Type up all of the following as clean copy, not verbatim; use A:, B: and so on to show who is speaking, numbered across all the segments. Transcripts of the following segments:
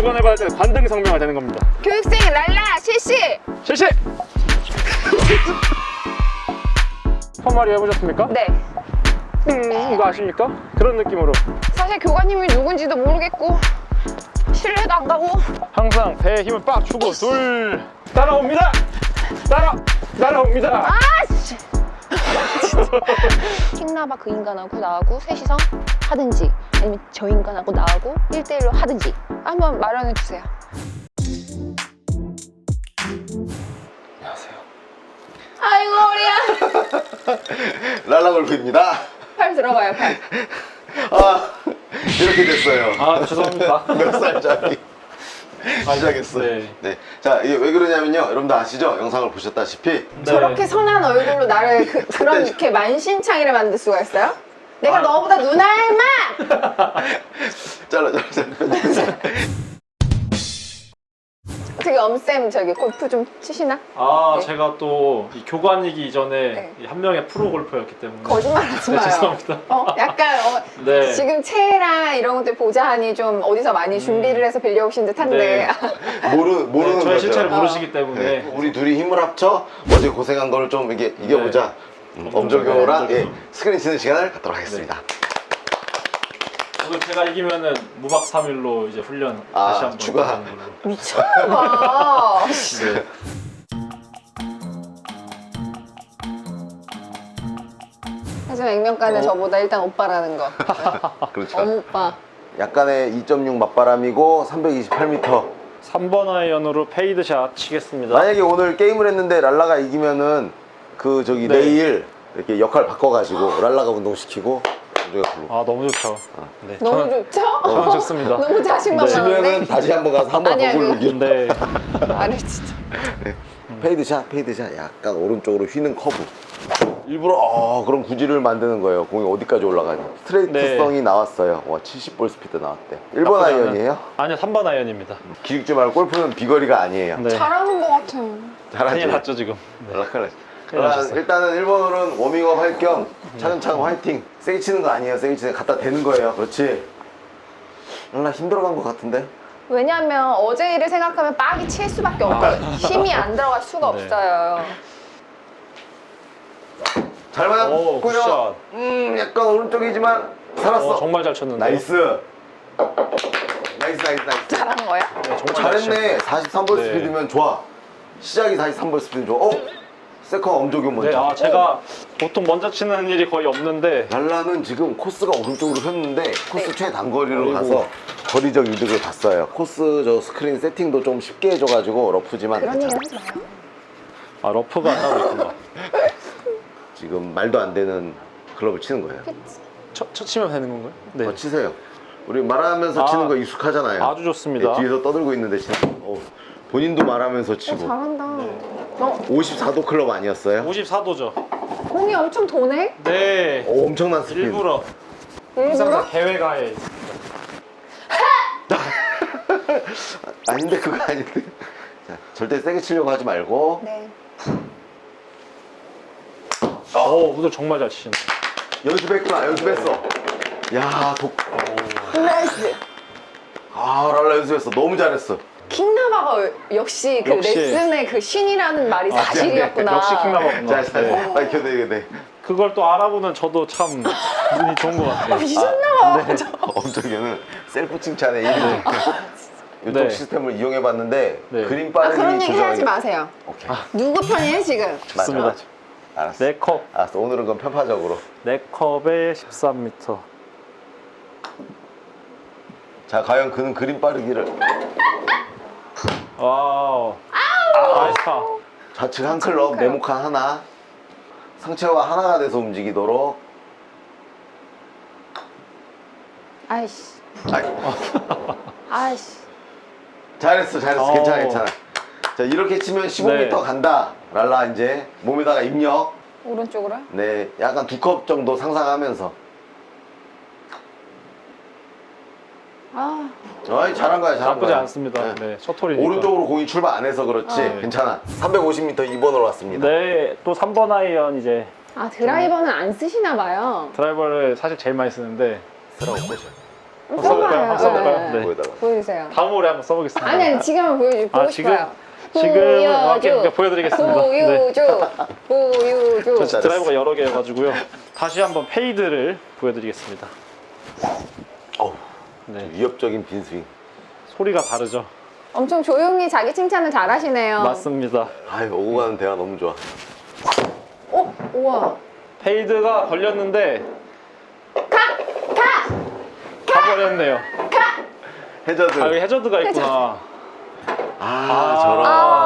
A: 교관해봐야 될 관등 성명이 되는 겁니다.
B: 교육생 랄라 실시!
A: 실시! 헛마리 해보셨습니까?
B: 네.
A: 이거 아십니까? 그런 느낌으로
B: 사실 교관님이 누군지도 모르겠고 신뢰도 안 가고
A: 항상 배에 힘을 빡 주고 둘 따라옵니다. 따라옵니다.
B: 아씨! 킹나바 그 인간하고 나하고 셋이서 하든지 아니면 저 인간하고 나하고 1대1로 하든지 한번 마련해 주세요.
C: 안녕하세요.
B: 아이고 우리야.
C: 랄라골프입니다.
B: 팔 들어가요 팔.
C: 아, 이렇게 됐어요.
A: 아 죄송합니다.
C: 몇 살짜리 시작했어요.
A: 네.
C: 네. 자, 이게 왜 그러냐면요. 여러분들 아시죠? 영상을 보셨다시피
A: 네.
B: 저렇게 선한 얼굴로 나를 그런 이렇게 만신창이를 만들 수가 있어요? 내가 너보다 누나 할마!
C: 잘라.
B: 어떻게 엄쌤 저기 골프 좀 치시나?
A: 아
B: 네.
A: 제가 또 이 교관이기 이전에
B: 네.
A: 이 한 명의 프로 골퍼였기 때문에
B: 거짓말 하지
A: 네,
B: 마요.
A: 죄송합니다.
B: 약간
A: 네.
B: 지금 채랑 이런 것들 보자 하니 좀 어디서 많이 준비를 해서 빌려오신 듯한데
A: 네.
C: 모르는
A: 네, 저의
C: 거죠.
A: 실체를 모르시기 때문에
C: 네. 우리 둘이 힘을 합쳐 어제 고생한 걸 좀 이게 이겨보자. 엄정교랑
A: 네.
C: 스크린 치는 시간을 갖도록 하겠습니다.
A: 오늘 제가 이기면은 무박 3일로 이제 훈련 다시 한번
C: 추가.
A: 하는 걸로.
B: 미쳤나봐.
A: 네.
B: 하지만 액면가는 저보다 일단 오빠라는 거.
C: 그렇죠.
B: 어머 오빠.
C: 약간의 2.6 맞바람이고 328m.
A: 3번 아이언으로 페이드샷 치겠습니다.
C: 만약에 오늘 게임을 했는데 랄라가 이기면은 그 저기
A: 네.
C: 내일 이렇게 역할 바꿔가지고 랄라가 운동시키고 우리가 불러.
A: 아 너무 좋죠. 네.
B: 너무 좋죠?
A: 저는 좋습니다.
B: 너무 자신만만한데?
C: 지면은 다시 한번 가서 한번
B: 아니야,
C: 더 굴르기.
A: 네.
B: 아니 진짜.
C: 페이드샷 약간 오른쪽으로 휘는 커브. 일부러 그런 구질을 만드는 거예요. 공이 어디까지 올라가니. 스트레이트성이
A: 네.
C: 나왔어요. 와, 70볼 스피드 나왔대. 1번 아이언이에요?
A: 아니요 3번 아이언입니다.
C: 기죽지 말고 골프는 비거리가 아니에요.
A: 네.
B: 잘하는 것 같아요.
C: 잘하지.
A: 큰일 났죠 지금. 네. 큰일 나셨어요.
C: 일단은 1번홀은 워밍업 할 겸 차근차근 화이팅. 세게 치는 거 아니에요. 세게 치는 거 갖다 대는 거예요. 그렇지. 랄라 힘들어간 것 같은데?
B: 왜냐면 어제 일을 생각하면 빡이 칠 수밖에 없어요. 힘이 안 들어갈 수가
A: 네.
B: 없어요.
C: 잘
A: 오,
C: 맞았고요.
A: 굿샷.
C: 약간 오른쪽이지만 살았어.
A: 정말 잘 쳤는데.
C: 나이스.
B: 잘한 거야?
A: 네, 정말
C: 잘했네. 43볼
A: 네.
C: 스피드면 좋아. 시작이 43볼 스피드 좋아. 세컨 엄조교 먼저.
A: 네, 아 제가 보통 먼저 치는 일이 거의 없는데
C: 랄라는 지금 코스가 오른쪽으로 폈는데 코스
B: 네.
C: 최단거리로
A: 아이고.
C: 가서 거리적 이득을 봤어요. 코스 저 스크린 세팅도 좀 쉽게 해줘가지고 러프지만
B: 그런
C: 괜찮아.
B: 얘기는 하지 마요.
A: 아 러프가 따로 있구나.
C: 지금 말도 안 되는 클럽을 치는 거예요.
A: 첫 치면 되는 건가요? 네.
C: 더 치세요. 우리 말하면서
A: 아,
C: 치는 거 익숙하잖아요.
A: 아주 좋습니다.
C: 네, 뒤에서 떠들고 있는데 치는 거. 본인도 말하면서 치고.
B: 잘한다.
A: 네.
C: 54도 클럽 아니었어요?
A: 54도죠.
B: 공이 엄청 도네?
A: 네.
C: 엄청난 스피드.
A: 일부러
B: 일부러?
A: 항상 계획하에 있습니다.
C: 아닌데 그거 아닌데. 자, 절대 세게 치려고 하지 말고.
B: 네.
A: 오늘 정말 잘 치신다.
C: 연습했구나. 연습했어. 야,
B: 나이스.
C: 랄라 연습했어. 너무 잘했어.
B: 킹나바가 역시 그
A: 역시.
B: 레슨의 그 신이라는 말이 사실이었구나.
A: 역시 킹나바구나.
C: 자,
A: 네.
C: 밝혀내게.
A: 그걸 또 알아보는 저도 참 눈이 좋은 것 같아요.
B: 미쳤나봐.
C: 엄청에는 셀프 칭찬의 1위. 이쪽
A: 네.
C: 시스템을 이용해봤는데
A: 네.
C: 그림 빠르기
B: 그런 얘기 하지
C: 조정하기-
B: 마세요.
C: 오케이.
B: 누구 편이에요 지금?
A: 좋습니다.
C: 맞아. 알았어.
A: 네 컵.
C: 알았어. 오늘은 그건 편파적으로.
A: 네 컵에 13m.
C: 자, 과연 그는 그림 빠르기를
A: 와우. 나이스 파.
C: 좌측 한 클럽, 네모칸 하나, 상체와 하나가 돼서 움직이도록.
B: 아이씨.
C: 아이,
B: 아이씨.
C: 잘했어.
A: 어.
C: 괜찮아. 자, 이렇게 치면 15m
A: 네.
C: 간다. 랄라 이제 몸에다가 입력.
B: 오른쪽으로?
C: 네, 약간 2컵 정도 상상하면서. 어이, 잘한 거야.
A: 나쁘지 않습니다. 네, 첫 홀이니까.
C: 오른쪽으로 공이 출발 안 해서 그렇지.
A: 네.
C: 괜찮아. 350m 2번으로 왔습니다.
A: 네, 또 3번 아이언 이제
B: 아 드라이버는 안 쓰시나 봐요.
A: 드라이버를 사실 제일 많이 쓰는데
C: 쓰라고 꼬셔.
A: 써볼까요? 한번 써볼까요? 네.
C: 거기다가.
B: 보여주세요.
A: 다음 홀에 한번 써보겠습니다.
B: 아니 지금 한번 보고
A: 아, 지금?
B: 싶어요.
A: 지금 이렇게 보여드리겠습니다.
B: 보여줘. 보여줘.
C: 잘했어.
A: 드라이버가 여러 개여가지고요. 다시 한번 페이드를 보여드리겠습니다.
C: 어우,
A: 네.
C: 위협적인 빈스윙.
A: 소리가 다르죠?
B: 엄청 조용히 자기 칭찬을 잘하시네요.
A: 맞습니다.
C: 아유, 오고 가는 대화 너무 좋아.
B: 우와.
A: 페이드가 걸렸는데 가버렸네요.
C: 해저드.
A: 아, 여기 해저드가 있구나.
C: 저런.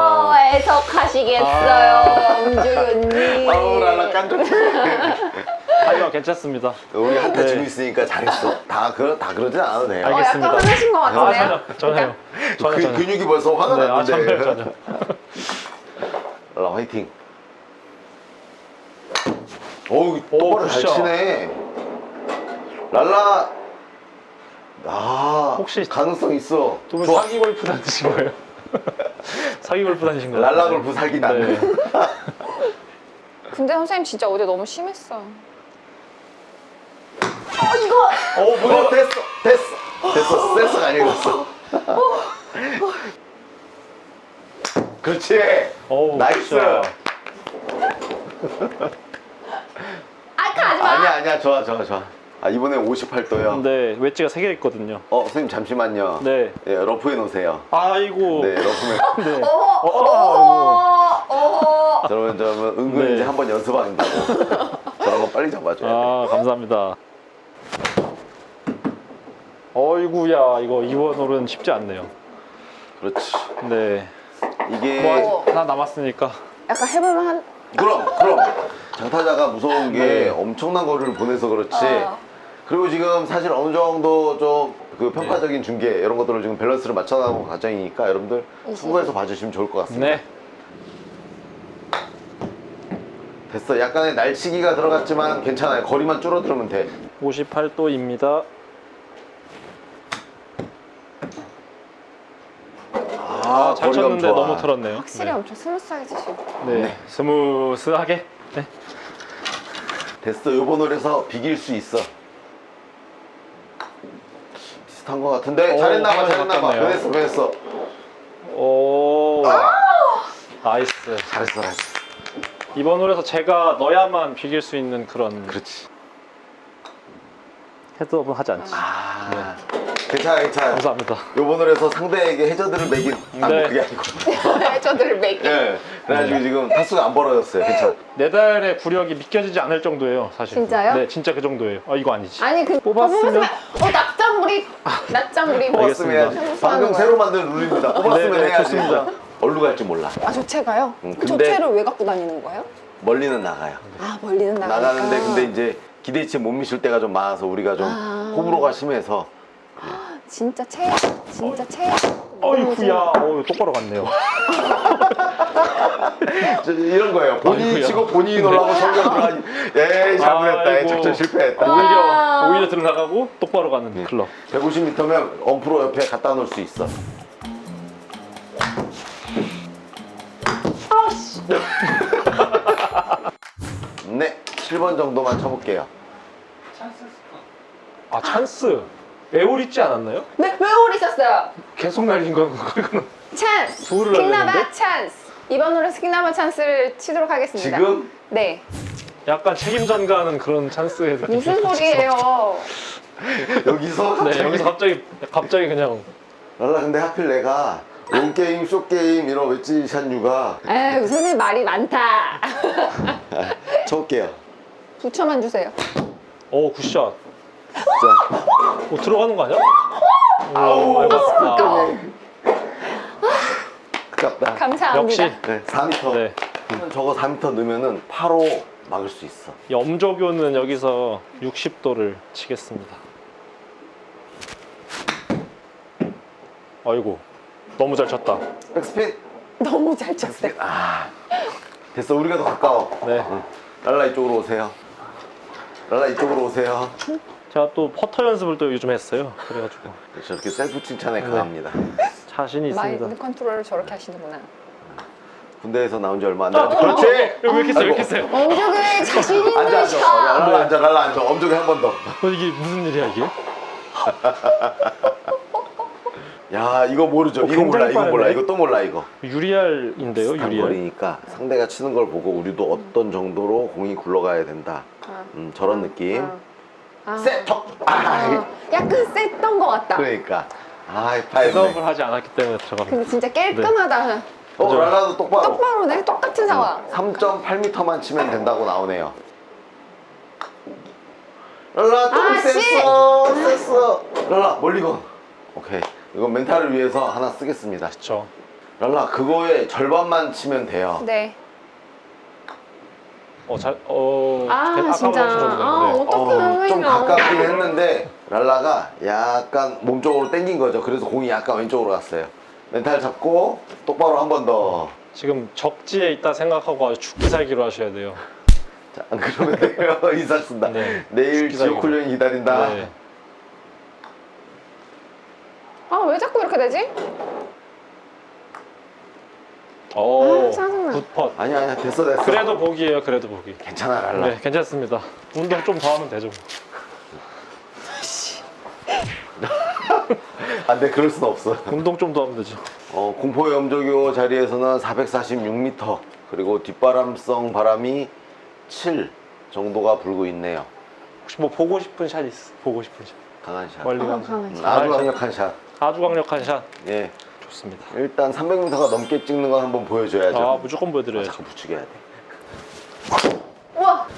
B: 해석하시겠어요, 엄주연님.
C: 아우, 랄라 깐족.
A: 하지만 괜찮습니다.
C: 우리 한타
A: 네.
C: 지고 있으니까 잘했어. 다 그러진 않아도 돼요.
A: 알겠습니다.
B: 약간 화나신 것 같은데요?
A: 전혀요. 전혀.
C: 근육이 벌써 화가
A: 네,
C: 났는데.
A: 전혀.
C: 랄라 화이팅. 어우, 똑바로 잘
A: 굿샷.
C: 치네. 랄라.
A: 혹시
C: 가능성 있어.
A: 두 분
C: 좋아.
A: 사기 골프 다니신 거예요? 사기 골프 다니신 거예요?
C: 랄라 골프 살기 나네.
A: 네.
B: 근데 선생님 진짜 어제 너무 심했어.
C: 뭐야? 됐어. 센스가 아니었어. 그렇지.
A: 어우,
C: 나이스.
A: 굿샷.
B: 가지 마.
C: 아니야. 좋아. 아, 이번에 58도요.
A: 네, 웨지가 3개 있거든요.
C: 선생님 잠시만요.
A: 네.
C: 예, 러프에 놓으세요.
A: 아이고.
C: 네, 러프에.
A: 네.
C: 저러면 은근히
A: 네.
C: 이제 한번 연습한다고. 저런 거 빨리 잡아줘야 돼.
A: 아, 감사합니다. 어이구야, 이거 2번 홀은 쉽지 않네요.
C: 그렇지.
A: 네.
C: 이게
A: 뭐 아직 하나 남았으니까.
B: 약간 해볼만 한.
C: 그럼 장타자가 무서운 게
A: 네.
C: 엄청난 거리를 보내서 그렇지.
B: 어.
C: 그리고 지금 사실 어느 정도 좀 그 평가적인 중계 이런 것들을 지금 밸런스를 맞춰나가는 과정이니까 여러분들 참고해서 봐주시면 좋을 것 같습니다.
A: 네.
C: 됐어. 약간의 날치기가 들어갔지만 괜찮아요. 거리만 줄어들으면 돼.
A: 58도입니다. 잘
C: 거리가
A: 쳤는데
C: 좋아.
A: 너무 틀었네요.
B: 확실히 엄청 스무스하게 치시고.
A: 네. 스무스하게. 네.
C: 됐어. 요번 홀에서 비길 수 있어. 비슷한 것 같은데.
A: 오,
C: 잘했나봐.
A: 바뀌었네요.
C: 변했어.
A: 오. 나이스.
C: 잘했어.
A: 이번 홀에서 제가 넣어야만 비길 수 있는 그런
C: 그렇지.
A: 헤드업은 하지 않지.
C: 괜찮아.
A: 감사합니다.
C: 요번 홀에서 상대에게 해저드를 매긴.
A: 네.
C: 그게 아니고.
B: 저들을 매기.
C: 예. 그래가지고 지금 타수가 안 벌어졌어요. 괜찮아.
A: 네 달의 구력이 믿겨지지 않을 정도예요, 사실.
B: 진짜요?
A: 네, 진짜 그 정도예요. 이거 아니지.
B: 아니
A: 뽑았으면?
B: 낮장구리.
C: 뽑았으면 해야지.
B: 알겠습니다.
C: 방금 새로 만든 룰입니다. 뽑았으면
A: 네,
C: 해야지.
A: 좋습니다.
C: 어디로 갈지 몰라.
B: 조체가요?
C: 근데-
B: 조체를 왜 갖고 다니는 거예요?
C: 멀리는 나가요.
B: 멀리는 나가니까.
C: 나가는데 근데 이제 기대치에 못 미칠 때가 좀 많아서 우리가 좀 호불호가 심해서
B: 진짜 최.
A: 어이구야. 똑바로 갔네요.
C: 이런 거예요. 본인이
A: 아이고야.
C: 치고 본인이 놀라고 성경 들어가니 에이 잘못했다.
A: 아이고.
C: 작전 실패했다.
A: 오히려 들어나가고 똑바로 가는 클럽.
C: 150m면 엄프로 옆에 갖다 놓을 수 있어. 네, 7번 정도만 쳐볼게요.
A: 아, 찬스. 에올 있지 않았나요?
B: 네, 왜 오리셨어요?
A: 계속 날린 건
B: 찬스.
A: 돌을
B: 킹나바
A: 날렸는데?
B: 찬스. 이번 홀에서 킹나바 찬스를 치도록 하겠습니다.
C: 지금?
B: 네.
A: 약간 책임 전가하는 그런 찬스의 느낌.
B: 무슨 소리예요?
C: 여기서
A: 네, 여기서 갑자기 그냥
C: 랄라 근데 하필 내가 롱게임, 쇼게임 이런 웨지샷 유가
B: 에이, 선생님 말이 많다.
C: 쳐볼게요.
B: 9초만 주세요.
A: 굿샷.
C: 자,
A: 들어가는 거 아니야?
C: 아우,
A: 아깝다.
C: 아깝다.
B: 감사합니다.
A: 역시
C: 네, 4m.
A: 네.
C: 저거 4m 넣으면은 8호 막을 수 있어.
A: 염조교는 여기서 60도를 치겠습니다. 아이고, 너무 잘 쳤다.
C: 백스핀.
B: 너무 잘 쳤어요.
C: 됐어, 우리가 더 가까워.
A: 네.
C: 랄라 이쪽으로 오세요. 랄라 이쪽으로 오세요.
A: 제가 또 퍼터 연습을 또 요즘 했어요. 그래가지고
C: 저렇게 셀프 칭찬에 강합니다.
A: 자신이 있습니다.
B: 마인드 컨트롤을 저렇게 하시는구나.
C: 군대에서 나온 지 얼마 안 됐는데. 그렇지.
A: 왜 이렇게 세요? 왜 이렇게 세요?
B: 엄죽을 자신 있는
C: 앉아.
B: 샷.
C: 랄라 앉아. 엄쪽에 한 번 더.
A: 이게 무슨 일이야 이게?
C: 야, 이거 모르죠. 이거
A: 굉장히
C: 몰라, 이거 몰라,
A: 빠르네.
C: 이거 또 몰라, 이거.
A: 유리알인데요,
C: 비슷한
A: 유리알.
C: 거리니까 상대가 치는 걸 보고 우리도 어떤 정도로 공이 굴러가야 된다. 저런 느낌. 세터.
B: 약간 셌던 것 같다.
C: 그러니까. 파이브.
A: 셋업을 하지 않았기 때문에 들어갑니다.
B: 근데 진짜 깔끔하다.
A: 그죠?
C: 랄라도 똑바로.
B: 똑바로네. 똑같은 상황.
C: 3.8m만 치면 된다고 나오네요. 랄라 좀
B: 씨!
C: 셌어. 랄라 멀리 건. 오케이. 이건 멘탈을 위해서 하나 쓰겠습니다.
A: 그렇죠.
C: 랄라 그거의 절반만 치면 돼요.
B: 네.
A: 진짜.
B: 어떡해.
C: 좀 가깝긴 했는데 랄라가 약간 몸쪽으로 당긴 거죠. 그래서 공이 약간 왼쪽으로 갔어요. 멘탈 잡고 똑바로 한 번 더.
A: 지금 적지에 있다 생각하고 아주 죽기 살기로 하셔야 돼요.
C: 자, 안 그러면 돼요. 이사 쓴다.
A: 네.
C: 내일
A: 죽기
C: 지옥
A: 살기로.
C: 훈련이 기다린다.
A: 네.
B: 왜 자꾸 이렇게 되지? 짜증나.
A: 굿펫.
C: 아니야 됐어.
A: 그래도 복이에요. 그래도 복이.
C: 괜찮아 랄라.
A: 네, 괜찮습니다. 운동 좀 더 하면 되죠.
C: 네, 그럴 순 없어.
A: 운동 좀 더 하면 되죠.
C: 공포의 염조교 자리에서는 446m 그리고 뒷바람성 바람이 7 정도가 불고 있네요.
A: 혹시 뭐 보고 싶은 샷 있어? 보고 싶은 샷.
C: 강한 샷.
A: 멀리 가는
B: 강한 샷.
C: 아주 강력한 샷.
A: 아주 강력한 샷.
C: 예.
A: 좋습니다.
C: 일단 300m가 넘게 찍는 건 한번 보여줘야죠.
A: 무조건 보여드려야죠.
C: 잠깐 부축해야 돼.
B: 우와.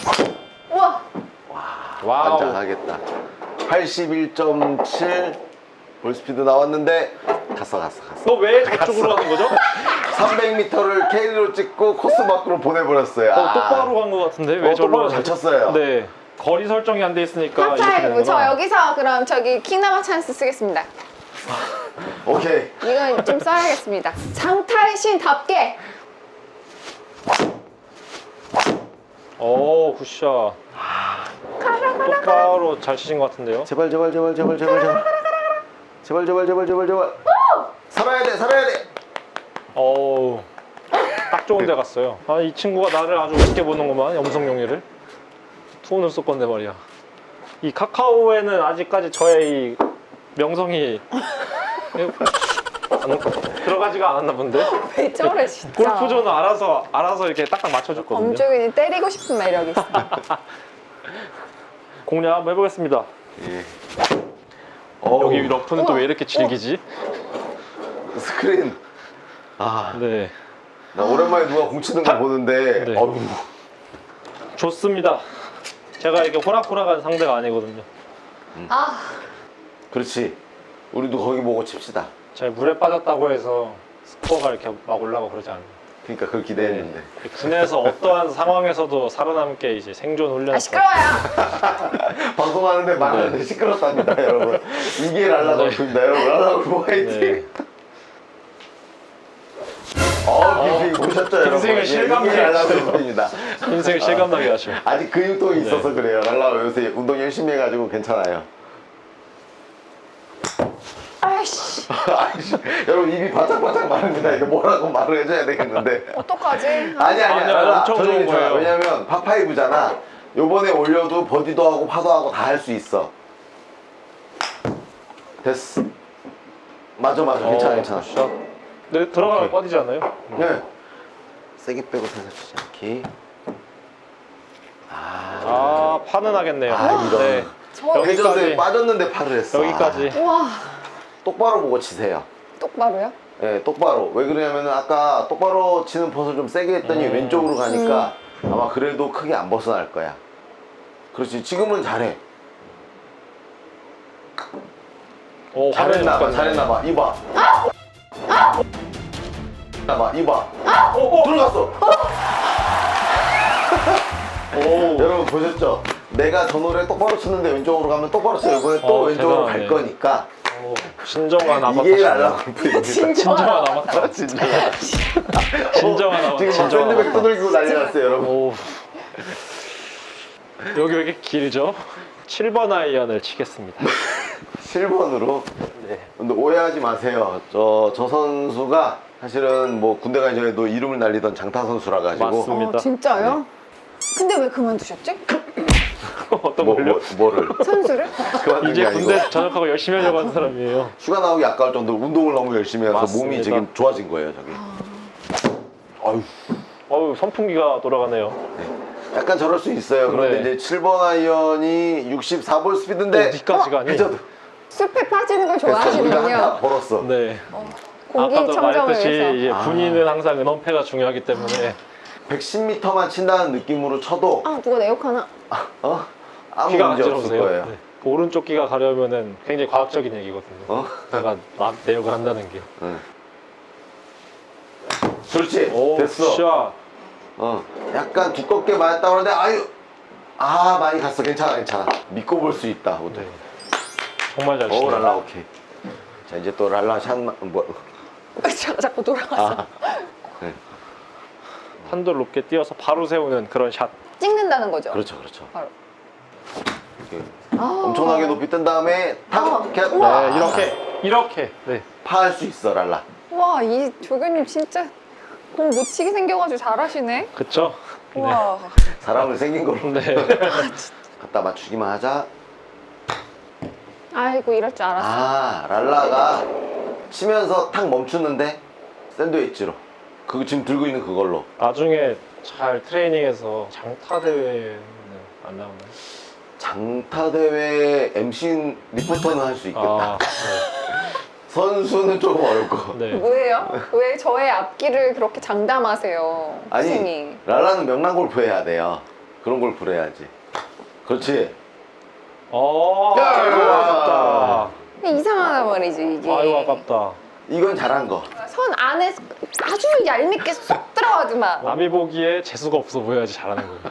A: 와우.
C: 완장하겠다. 81.7 볼스피드 나왔는데 갔어.
A: 너 왜 저쪽으로 하는 거죠?
C: 300m를 캐리로 찍고 코스 밖으로 보내버렸어요.
A: 똑바로 간 것 같은데 왜 저로
C: 똑바로 잘 쳤어요.
A: 네. 거리 설정이 안 돼 있으니까 이렇게
B: 탑5.
A: 되는구나.
B: 저 여기서 그럼 저기 킹나마 찬스 쓰겠습니다.
C: 오케이.
B: 이건 좀 써야겠습니다. 장타의 신답게.
A: 굿샷. 똑바로 잘 치신 것 같은데요.
C: 제발. 살아야 돼.
A: 딱 좋은 데 갔어요. 이 친구가 나를 아주 우습게 보는구만. 염성용이를. 투혼을 쏠 건데 말이야. 이 카카오에는 아직까지 저의 이 명성이 들어가지가 않았나 본데.
B: 왜 저래 진짜.
A: 골프존은 알아서 이렇게 딱딱 맞춰줬거든요.
B: 엄중히 때리고 싶은 매력이 있어.
A: 공략 한번 해보겠습니다.
C: 예.
A: 여기 러프는 또 왜 이렇게 질기지?
C: 스크린.
A: 네.
C: 나 오랜만에 누가 공 치는 거 보는데.
A: 네. 좋습니다. 제가 이게 호락호락한 상대가 아니거든요.
C: 그렇지. 우리도 거기 보고 칩시다.
A: 제가 물에 빠졌다고 해서 스코어가 이렇게 막 올라가고 그러지 않아요.
C: 그러니까 그걸 기대했는데.
A: 군에서 어떠한 상황에서도 살아남게 이제 생존 훈련.
B: 시끄러워요.
C: 방송하는데 말하는데 시끄럽답니다, 여러분. 이게 랄라 골프입니다, 여러분. 랄라 골프 화이팅. 빈스윙 보셨죠, 여러분?
A: 빈스윙을 실감나게
C: 이게 랄라
A: 하시죠.
C: 골프입니다.
A: 인생을 실감나게 하죠.
C: 아직 근육통이 있어서 그래요. 랄라 요새 운동 열심히 해가지고 괜찮아요.
B: 아이씨.
C: 여러분 입이 바짝바짝 마릅니다. 이거 뭐라고 말을 해줘야 되겠는데.
B: 어떡하지?
C: 아니야.
A: 아니야, 엄청
C: 저는
A: 좋은
C: 괜찮아.
A: 거예요.
C: 왜냐면 파5잖아. 요번에 올려도 버디도 하고 파도 하고 다 할 수 있어. 됐어. 맞아. 괜찮아.
A: 굿샷. 네, 들어가면 뻗이지 않아요?
C: 네. 세게 빼고 살살 치지 않기.
A: 파는 하겠네요.
C: 이런.
A: 네.
C: 회전에
A: 여기까지.
C: 빠졌는데 팔을 했어.
A: 여기까지.
B: 우와.
C: 똑바로 보고 치세요.
B: 똑바로요?
C: 네, 똑바로. 왜 그러냐면 아까 똑바로 치는 퍼서 좀 세게 했더니 왼쪽으로 가니까 아마 그래도 크게 안 벗어날 거야. 그렇지. 지금은 잘해. 잘했나봐. 이봐. 이봐. 들어갔어. 여러분 보셨죠? 내가 저 노래 똑바로 쳤는데 왼쪽으로 가면 똑바로 쳐요. 이번에 또 왼쪽으로
A: 대단하네.
C: 갈 거니까.
A: 진정한 아바타.
C: 이게 랄라 골프입니다.
A: 진정한 아바타.
C: 진정한.
A: 진정한 아바타.
C: 지금 막 샌드백 두들기고 난리 났어요, 여러분.
A: 오. 여기 왜 이렇게 길죠? 7번 아이언을 치겠습니다.
C: 7번으로.
A: 네.
C: 근데 오해하지 마세요. 저 선수가 사실은 뭐 군대 가기 전에도 이름을 날리던 장타 선수라 가지고.
A: 맞습니다.
B: 진짜요? 근데 왜 그만두셨지?
A: 어떤 걸요?
C: 뭐를?
B: 선수를?
C: 그만둔
A: 이제
C: 게 아니고
A: 군대 전역하고 열심히 하려고 하는 사람이에요.
C: 휴가 나오기 아까울 정도로 운동을 너무 열심히 해서
A: 맞습니다.
C: 몸이 지금 좋아진 거예요, 저기. 아유,
A: 어우, 선풍기가 돌아가네요.
C: 약간 저럴 수 있어요. 그런데
A: 네.
C: 이제 7번 아이언이 64볼 스피드인데
A: 어디까지 가니?
C: 해저드.
B: 숲에 빠지는 걸
C: 그래서 우리가
B: 좋아하시는군요.
C: 하나 벌었어.
A: 네.
B: 공기
A: 아까도
B: 청정을
A: 말했듯이
B: 위해서.
A: 이제
C: 아.
A: 군인은 항상 은원패가 중요하기 때문에
C: 110m만 친다는 느낌으로 쳐도
B: 아 누가 내 욕하나?
C: 아무
A: 귀가
C: 문제 없을
A: 간지러우세요.
C: 거예요.
A: 네. 오른쪽 귀가 가려면은 굉장히 과학적인 얘기거든요.
C: 어?
A: 내가 내역을 한다는 게.
C: 응. 그렇지.
A: 오,
C: 됐어.
A: 샷.
C: 약간 두껍게 맞았다 그러는데 아유. 아, 많이 갔어. 괜찮아, 괜찮아. 믿고 볼 수 있다. 오늘.
A: 네. 정말 잘
C: 오,
A: 치네.
C: 랄라 오케이. 자, 이제 또 랄라 샷만 뭐.
B: 제가 자꾸 돌아갔어.
C: 아. 네.
A: 한돌 높게 띄어서 바로 세우는 그런 샷.
B: 찍는다는 거죠.
C: 그렇죠, 그렇죠.
B: 바로.
C: 이렇게
B: 아.
C: 엄청나게 높이 뜬 다음에 탁 이렇게
B: 우와.
A: 네, 이렇게. 네.
C: 파할 수 있어, 랄라.
B: 와, 이 조교님 진짜 공 못 치게 생겨가지고 잘하시네.
A: 그쵸?
B: 와.
C: 사람을 생긴 걸로
A: 네.
C: 갖다 맞추기만 하자.
B: 아이고 이럴 줄 알았어.
C: 아, 랄라가 치면서 탁 멈추는데 샌드위치로. 그거 지금 들고 있는 그걸로.
A: 나중에 잘 트레이닝해서 장타 대회는 안 나오나요?
C: 장타 대회 MC 리포터는 할 수 있겠다.
A: 아,
C: 선수는 조금 어렵고.
A: 네. 네.
B: 뭐예요? 왜 저의 앞길을 그렇게 장담하세요,
C: 아니,
B: 선생님?
C: 랄라는 명랑 골프 해야 돼요. 그런 골프를 해야지. 그렇지.
A: 아이고 아깝다.
B: 근데 이상하단 말이지 이게.
A: 아이고 아깝다.
C: 이건 잘한 거.
B: 선 안에 아주 얄밉게 쏙 들어가지만.
A: 남이 보기에 재수가 없어 보여야지 잘하는 거예요.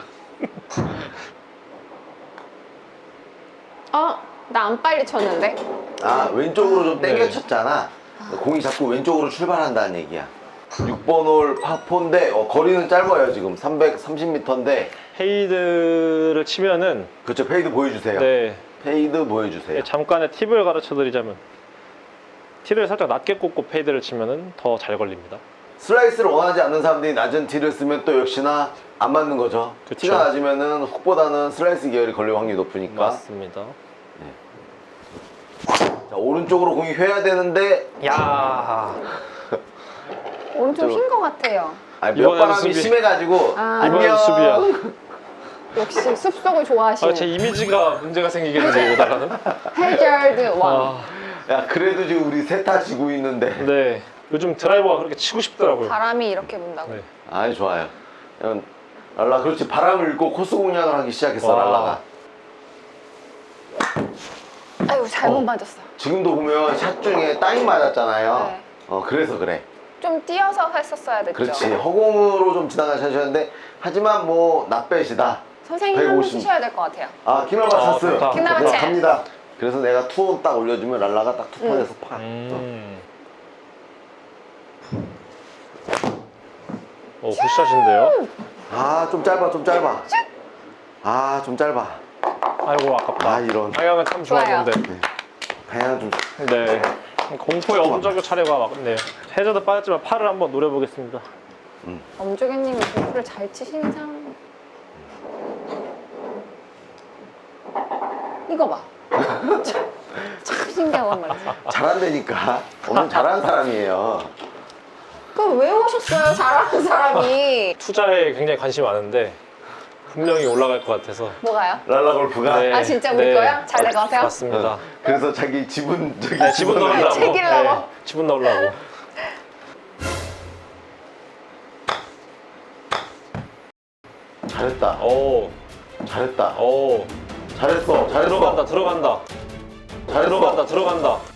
B: 나 안 빨리 쳤는데?
C: 아, 왼쪽으로 좀
A: 네.
C: 당겨 쳤잖아. 공이 자꾸 왼쪽으로 출발한다는 얘기야. 6번 홀 파4인데 거리는 짧아요. 지금 330m인데.
A: 페이드를 치면은
C: 그렇죠. 페이드 보여주세요.
A: 네.
C: 페이드 보여주세요.
A: 잠깐의 팁을 가르쳐 드리자면 티를 살짝 낮게 꽂고 페이드를 치면은 더 잘 걸립니다.
C: 슬라이스를 원하지 않는 사람들이 낮은 티를 쓰면 또 역시나 안 맞는 거죠.
A: 그쵸.
C: 티가 낮으면은 훅보다는 슬라이스 계열이 걸릴 확률이 높으니까.
A: 맞습니다.
C: 자, 오른쪽으로 공이 휘어야 되는데
A: 야,
B: 오른쪽
C: 저-
B: 흰 거 같아요.
C: 몇
A: 이번에는
C: 바람이
A: 수비.
C: 심해가지고
B: 아.
A: 이번엔 수비야.
B: 역시 숲속을 좋아하시는.
A: 제 이미지가 문제가 생기겠는데 이러다가는.
B: 해저드 왕.
A: 아,
C: 야, 그래도 지금 우리 세타 지고 있는데.
A: 네. 요즘 드라이버가 그렇게 치고 싶더라고요.
B: 바람이 이렇게 분다고.
A: 네.
C: 아이, 좋아요. 랄라, 그렇지. 바람을 읽고 코스 공략을 하기 시작했어,
A: 와.
C: 랄라가.
B: 아이고 잘못 맞았어.
C: 지금도 보면 샷 중에 따인 맞았잖아요.
B: 네.
C: 그래서 그래.
B: 좀 뛰어서 했었어야 됐죠.
C: 그렇지. 허공으로 좀 지나간 샷이었는데, 하지만 뭐, 낫배시다.
B: 선생님 한번
C: 150.
B: 치셔야 될 것 같아요.
C: 아, 키나바
A: 아,
C: 찬스.
A: 좋다.
B: 키나바 찬스.
C: 갑니다. 그래서 내가 투혼 딱 올려주면 랄라가 딱 투판에서 파.
A: 오, 굿샷인데요.
C: 아, 좀 짧아, 좀 짧아. 아, 좀 짧아.
A: 아이고 아깝다.
C: 아, 이런.
A: 방향은 참
B: 좋아요.
A: 좋았는데.
C: 방향 좀.
A: 네. 공포의 엄정교 차례가 맞네요. 해저드 빠졌지만 팔을 한번 노려보겠습니다.
B: 엄조개님이 골프를 잘 치시는 사람. 이거 봐. 참 신기하단 말이지.
C: 잘한다니까. 엄청 잘하는 사람이에요.
B: 그럼 왜 오셨어요? 잘하는 사람이.
A: 투자에 굉장히 관심이 많은데 분명히 올라갈 것 같아서.
B: 뭐가요?
C: 랄라 골프가.
A: 네.
B: 아, 진짜 우리 거야? 잘 될 것 같아요?
A: 맞습니다.
C: 그래서 자기 지분, 저기
A: 네, 지분 넣으려고.
B: 챙기려고?
A: 지분 넣으려고.
C: 잘했다.
A: 오,
C: 잘했다.
A: 오.
C: 잘했어. 잘했어.
A: 들어간다, 들어간다.
C: 잘했어.
A: 들어간다, 들어간다.